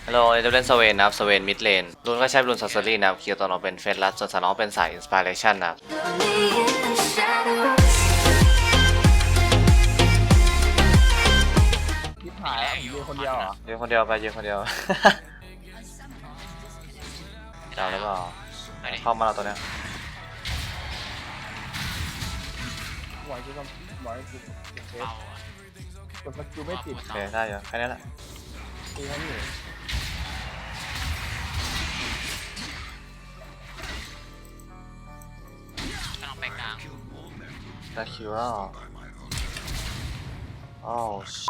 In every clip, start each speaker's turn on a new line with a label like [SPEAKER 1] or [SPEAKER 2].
[SPEAKER 1] ฮัลโหลเอเดเล่นสเวนนะครับสเวนมิดเลนรุนก็ใช้รุนซัสเซอรี่นะครับคิวตัวน้องเป็นเฟสลัสส่วนสาน้องเป็นสายอินสปิเรชันนะครับ
[SPEAKER 2] ยิบหายแล้วยืนคนเดียวเหรอ
[SPEAKER 1] ยืนคนเดียวไปยืนคนเดียวจับแล้วเปล่าเข้ามาแล้วตัวเนี้ย
[SPEAKER 2] ไหวกูทำไหวกูเทสกดสกิลไม่ติด
[SPEAKER 1] โอเคได้อยู่แค่นี้แหละ
[SPEAKER 2] ตีแค่นี้
[SPEAKER 3] กำลังไปกลาง
[SPEAKER 1] ได้คิวแล้วโอ้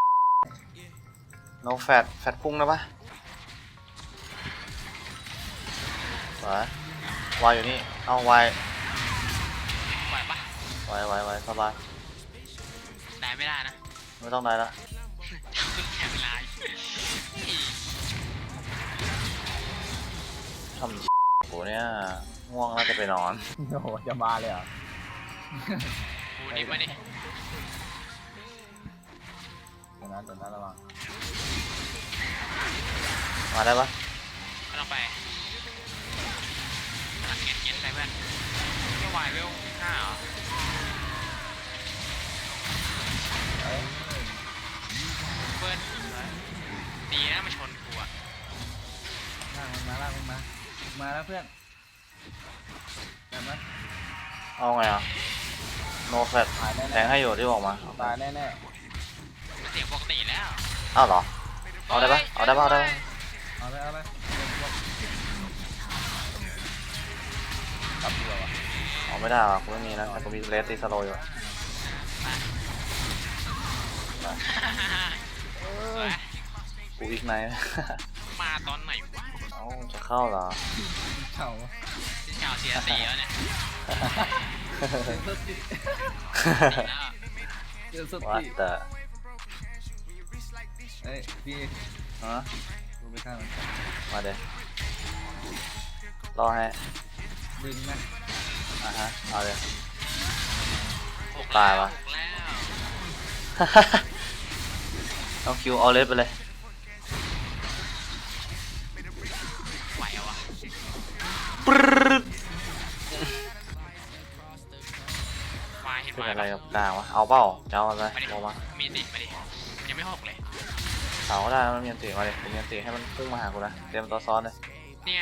[SPEAKER 1] โนแฟตพุ่งนะปะวายอยู่นี่เอาวาย
[SPEAKER 3] ไหวปะ
[SPEAKER 1] ไว้สบาย
[SPEAKER 3] ได้ไม่ได้นะ
[SPEAKER 1] ไม่ต้องได้ละ
[SPEAKER 3] เพิ่งแข่งเวลา
[SPEAKER 1] ทำกูเนี่ยง่วงแล้วจะไปนอน
[SPEAKER 2] โอ้โหจะมาเลยเหรอ
[SPEAKER 3] กูดิมาดิ
[SPEAKER 2] เดี๋ยวนะระวัง
[SPEAKER 1] มาได้ปะ
[SPEAKER 3] กำลังไปกำลังเงี้ยไปเพื่อนไม่ไหวเวล5เหรอเพื่อนดีนะมาชนกูอะ
[SPEAKER 2] ลากมันมาแล้วเพื่อนได้ไหม
[SPEAKER 1] เอาไงอ่ะโนแฟต
[SPEAKER 2] ตายแน่
[SPEAKER 1] แทงให้อยู่ที่บอกมา
[SPEAKER 2] ตายแน่
[SPEAKER 3] เสียงปกติแล้ว
[SPEAKER 1] อ้าวเหรอเอาได้ปะเอาได้ปะ
[SPEAKER 2] เอาเลยกลับดีกว่า
[SPEAKER 1] เอาไม่ได้ว่ะกูไม่มีนะแต่กูมีเลสตีสโลอยู่ กูอีกไหน
[SPEAKER 3] มาตอนไหนวะ
[SPEAKER 1] เอ้าจะเข้าเหรอ
[SPEAKER 2] เข่า
[SPEAKER 3] ที่ชาวเชียร์ตีแล้วเนี่ยแล้ว
[SPEAKER 2] เจอส
[SPEAKER 1] ว่า
[SPEAKER 2] ติ
[SPEAKER 1] แต่
[SPEAKER 2] เอ้ยพี่
[SPEAKER 1] ฮะ
[SPEAKER 2] ดูไปข้างมัน
[SPEAKER 1] มาเดี๋ยวรอให้
[SPEAKER 2] ดึงนะ
[SPEAKER 1] ฮะเอาเดี๋ยว
[SPEAKER 3] ตายวะ
[SPEAKER 1] เอาคิวเอาเลสไปเลย
[SPEAKER 3] ไหววะ
[SPEAKER 1] ปรึ๊ด
[SPEAKER 3] มาเห็น
[SPEAKER 1] เป็น
[SPEAKER 3] มา
[SPEAKER 1] อะไรกับกลางวะเอาเปล่าจะเอาอะไร
[SPEAKER 3] มาดิ
[SPEAKER 1] บอกมา
[SPEAKER 3] มีดิมาดิยังไม่หกเลย
[SPEAKER 1] เอาก็ได้มันมีอันตีมาดิมีอันตีให้มันพุ่งมาหากูนะเตรียมตัวซ้อนเลย
[SPEAKER 3] เนี่ย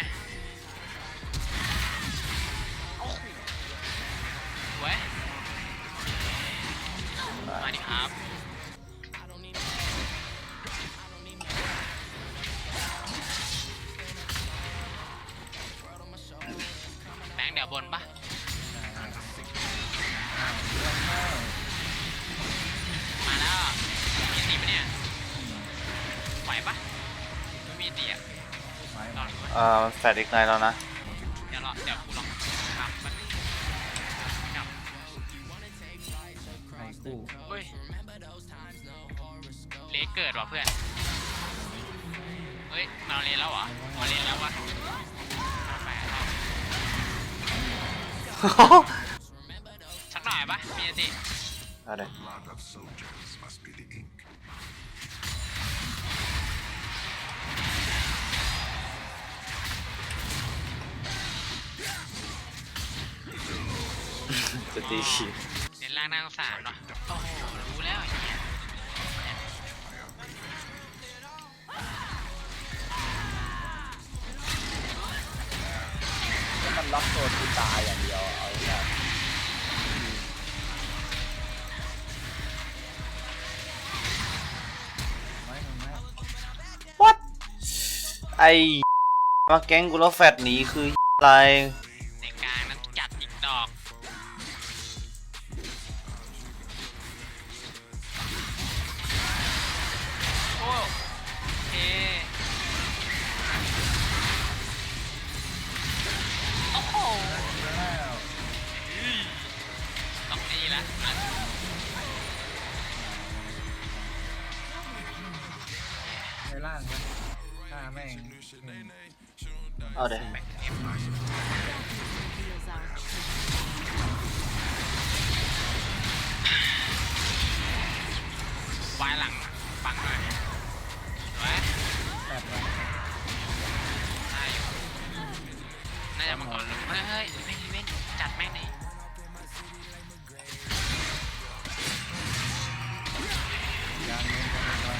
[SPEAKER 3] เว้ยมาดิครับแบงค์เดี๋ยวบนปะมาแล้วมีตีปะเนี่ยไหวปะไม่มีตีอ่ะ
[SPEAKER 2] ไม้
[SPEAKER 3] ลองดู
[SPEAKER 1] มันแฟดอีกไนแล้วนะ
[SPEAKER 3] เดี๋ยวกูลองทำมันกับ
[SPEAKER 2] ไม้กู้
[SPEAKER 3] เฮ้ยเลเกิดว่ะเพื่อนเฮ้ยมาเลนแล้วเหรอมาเลนแล้ววะแปลกสักหน่อยปะมีสิ
[SPEAKER 1] เอาเดี๋ยว
[SPEAKER 4] Blood of soldiers must be the ink.
[SPEAKER 1] จะตีขีด
[SPEAKER 3] เลนล่างนั่งสามเนาะโอ้โหรู้แล้วไอ้เหี้ย
[SPEAKER 2] ถ้ามันล็อกตัวคือตายอย่างเดียวเอาเนี่ยไม่ทำไม
[SPEAKER 1] วัดไอมาแก๊งกูแล้วแฟดหนีคืออะไร
[SPEAKER 3] ในกลางนั้นจัดอีกดอกโอ้เคโอ้โห
[SPEAKER 2] แล้ว
[SPEAKER 3] ต้องนี่ละ
[SPEAKER 2] ในล่างนะฆ่าแม่ง
[SPEAKER 1] เอาเดี๋ยว
[SPEAKER 3] แบกเอฟวายหลังฟังหน่อยไว้
[SPEAKER 2] แบบนั้น
[SPEAKER 3] จะมังกรเฮ้ยไม่เว้นจัดแม่งเลย
[SPEAKER 2] การเงินการเงิน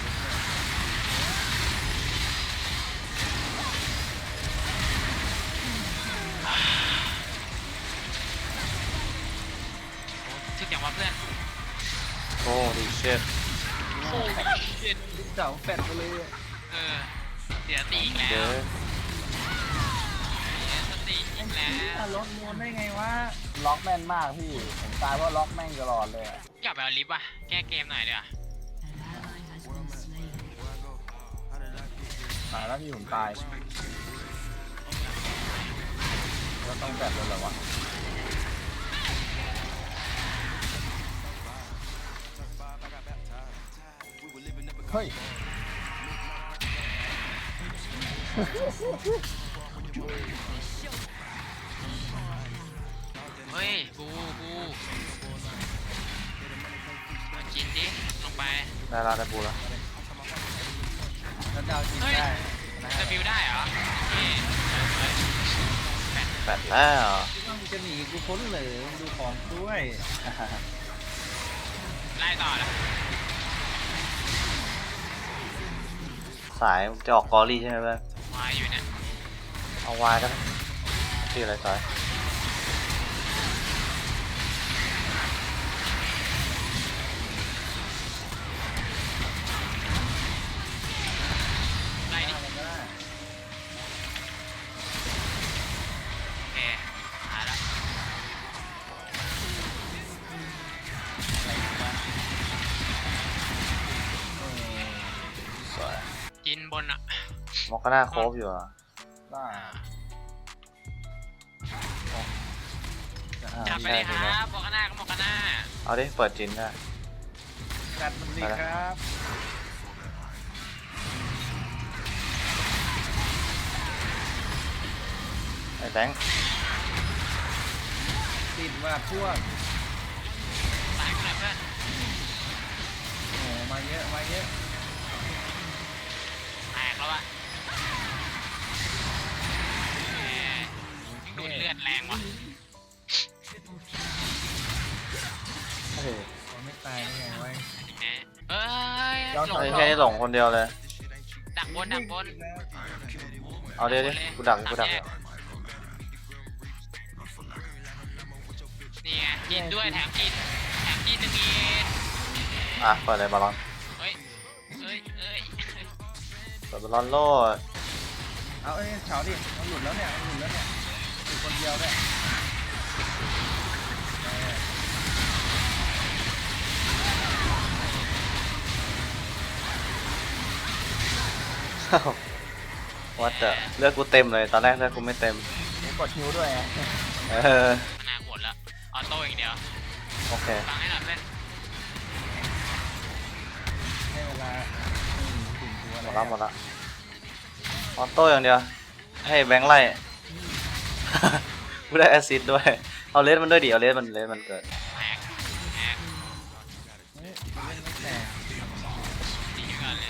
[SPEAKER 3] ทึกอย่างว่าเพื่อน
[SPEAKER 1] โอ้ดีเช็ด
[SPEAKER 3] โอ้เจ็ด
[SPEAKER 2] เสาแฟดไปเลยอะ
[SPEAKER 3] เสียตีอีกแล้
[SPEAKER 1] เดี๋ยว ว
[SPEAKER 3] เสียสติอีกแล้ว
[SPEAKER 2] รถมูนได้ไงวะ
[SPEAKER 5] ล็อกแม่นมากพี่ ผมตายเพราะล็อกแม่งตลอดเลยอะ
[SPEAKER 3] อยากไปเอาลิฟต์ว่ะแก้เกมหน่อยดีกว่า
[SPEAKER 5] ตายแล้วพี่ผมตายแล้วต้องแบบเลยเหรอวะเฮ้ย
[SPEAKER 3] เฮ้ยบูมากินดิลงไป
[SPEAKER 1] ได้ละได้ปูแล้ว
[SPEAKER 2] แล้วดาวจิต
[SPEAKER 3] เฮ้ย
[SPEAKER 2] ได้นะ
[SPEAKER 3] จะบิวได้เหรอเฮ้ย
[SPEAKER 1] แปดแล้ว
[SPEAKER 2] ต้องจะหนีกูพ้นเหลือดูของด้วย
[SPEAKER 3] ไล่ต่อแล้ว
[SPEAKER 1] สายจะออกกอรี่ใช่ไหมเพื่อน
[SPEAKER 3] มาอยู่เนี่ย
[SPEAKER 1] เอาวายก็ได้ที่อะไรสาย
[SPEAKER 3] ไล่ดิ
[SPEAKER 2] มันก็ได้
[SPEAKER 3] โอเคหายแล้ว
[SPEAKER 1] สวย
[SPEAKER 3] กินบนอ่ะ
[SPEAKER 1] มอกก็น่าโคบอยู่อ่ะ
[SPEAKER 5] ได้
[SPEAKER 3] จับไป
[SPEAKER 1] ใช่
[SPEAKER 3] เลย
[SPEAKER 1] ใช่
[SPEAKER 3] ค
[SPEAKER 1] ไหม
[SPEAKER 3] รับบอกกันหน้าก็บอกกันหน้า
[SPEAKER 1] เอาดิเปิดจินได้
[SPEAKER 2] จัดมันดีครับ
[SPEAKER 1] ไอ้แบงค์
[SPEAKER 2] ติดว่าพวก
[SPEAKER 3] ตายกูหน่อยเพื่อน
[SPEAKER 2] โอ้มาเยอะมาเยอะ
[SPEAKER 3] แตกแล้วอะแหมดูดเลือดแรงว่ะ
[SPEAKER 1] เฮ้ย
[SPEAKER 2] มันไม่ตายได้ไงวะ
[SPEAKER 3] แหมเอ้ยหลง
[SPEAKER 1] ไอ้แค่นี้หลงคนเดียวเลย
[SPEAKER 3] ดักบน
[SPEAKER 1] เอาเดี๋ยวดิกูดักอยู่
[SPEAKER 3] นี่ไงกินด้วยแถมกินหนึ่งอีก
[SPEAKER 1] อ่ะเปิดเลยบอลลอน
[SPEAKER 3] เฮ้ย
[SPEAKER 1] เปิดบอลลอนโลด
[SPEAKER 2] เอาเฉาดิมันหลุดแล้วเนี่ยมันหลุดแล้วเนี่ยอยู่คนเดียวด้วย
[SPEAKER 1] วัดเตอเลือกกูเต็มเลยตอนแรกเลือกกูไม่เต็ม
[SPEAKER 5] ผมกดฮิวด้วยไง
[SPEAKER 1] เออ
[SPEAKER 3] มานาวหมดแล้วออโต้อย่างเดียว
[SPEAKER 1] โอเค
[SPEAKER 3] ฟังให้หน่อยเพื่อน
[SPEAKER 2] ให้เวลาถึงตัว
[SPEAKER 1] หมดละหมดละออโต้อย่างเดียวให้แบงค์ไล่ กูได้แอสซิดด้วยเอาเลสมันด้วยดิเอาเลสมันเกิด
[SPEAKER 3] แหก
[SPEAKER 2] เฮ้ยเล่นไม่แตก
[SPEAKER 3] ดีก่อนเลย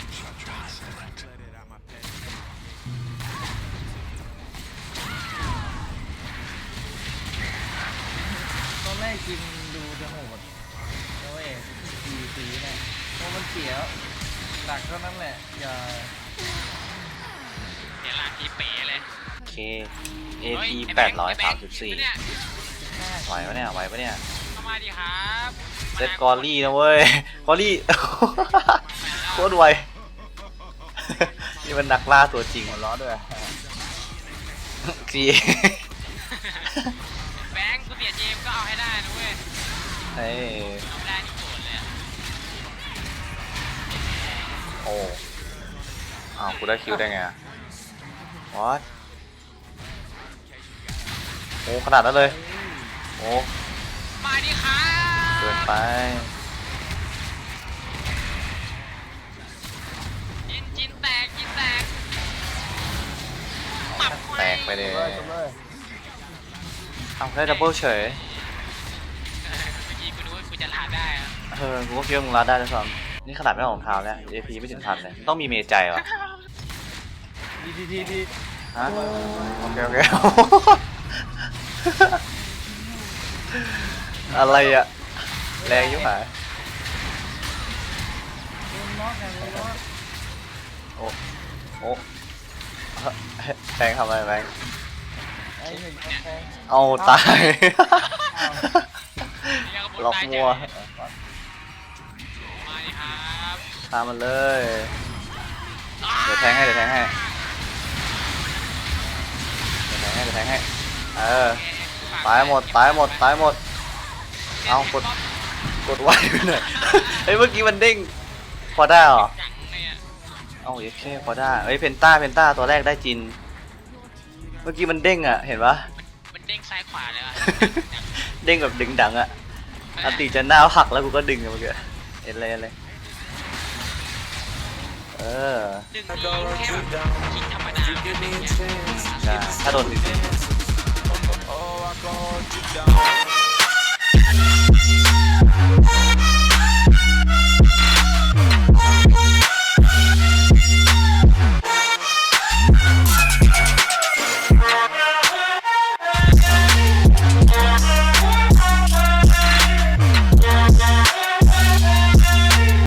[SPEAKER 2] ตอนแรกกินดูจะโหดโอ้ยสีเนี่ยโอ้มันเสียดักเท่านั้นแหละอย่า
[SPEAKER 3] เดี๋ยวลากทีเป๋เลย
[SPEAKER 1] โอเค
[SPEAKER 3] เฮ้ย
[SPEAKER 1] AP
[SPEAKER 3] ไอ้แบงค์
[SPEAKER 1] 834
[SPEAKER 3] เนี่ย
[SPEAKER 1] ไหวปะเนี่ยไหวปะเนี่ย
[SPEAKER 3] เข้ามาดิครับ
[SPEAKER 1] เซตกอรี่นะเว้ย กอรี่ โคตรไว นี่มันนักล่าตัวจริง
[SPEAKER 5] หัวล้อด้วย
[SPEAKER 1] จี
[SPEAKER 3] แบงค์กูเสียเจมก็เอาให้ได้นะเว้ย
[SPEAKER 1] เฮ้ย
[SPEAKER 3] เอาไม่ได้นี่โกรธเลยอะ
[SPEAKER 1] โอ้อ้าวกูได้คิวได้ไงวอทโอ้ขนาดนั้นเลย โอ้
[SPEAKER 3] มาดิครับ
[SPEAKER 1] เกินไป
[SPEAKER 3] จินแตกปับ
[SPEAKER 1] แตกไปเลย
[SPEAKER 5] เลยจบเลย
[SPEAKER 1] เอาได้ดับเบิลเฉย
[SPEAKER 3] เมื่อกี้กูนึกว่ากูจะลาได้อะ
[SPEAKER 1] กูก็คิดว่ามึงรัดได้ด้วยซ้ำนี่ขนาดไม่ออกรองเท้าแล้ว AP ไม่ถึงพันเลย ต้องมีเมใจวะ
[SPEAKER 2] ดี
[SPEAKER 1] ฮะ โอเคอะไรอะแรงยิ่งหาย
[SPEAKER 2] โดนล็อกไงโดนล็อก
[SPEAKER 1] โอ้โอ้แบงค์ทำอะไรแบงค์
[SPEAKER 5] ไอ้หนึ่งแทง
[SPEAKER 1] เอาตาย
[SPEAKER 3] นี่ก็บน
[SPEAKER 1] ล็อก
[SPEAKER 3] ตาย
[SPEAKER 1] มัว
[SPEAKER 3] เจ็บมาดิครับ
[SPEAKER 1] ตามมันเลย เดี๋ยวแทงให้เดี๋ยวแทงให้เดี๋ยวแทงให้เออตายหมดตายหมดตายหมดเอากดไว้ไปหน่อยเฮ้ยเมื่อกี้มันเด้งพอได้เหรอ
[SPEAKER 3] จังเลยอ่ะ
[SPEAKER 1] เอาโอเคพอได้เฮ้ยเพนต้าตัวแรกได้จิน เมื่อกี้มันเด้งอ่ะเห็นปะ
[SPEAKER 3] มันเด้งซ้ายขวาเลยอ่ะ
[SPEAKER 1] เด้งแบบดึงดังอ่ะอันติจะหน้าหักแล้วกูก็ดึงอะเมื่อกี้เห็นเลยเออ
[SPEAKER 3] ดึงทีแค่แบบคิดธรรมดาไม่เป็นอย่างเงี้ย
[SPEAKER 1] ใช่ถ้าโดนจริง
[SPEAKER 4] Oh, I called you down.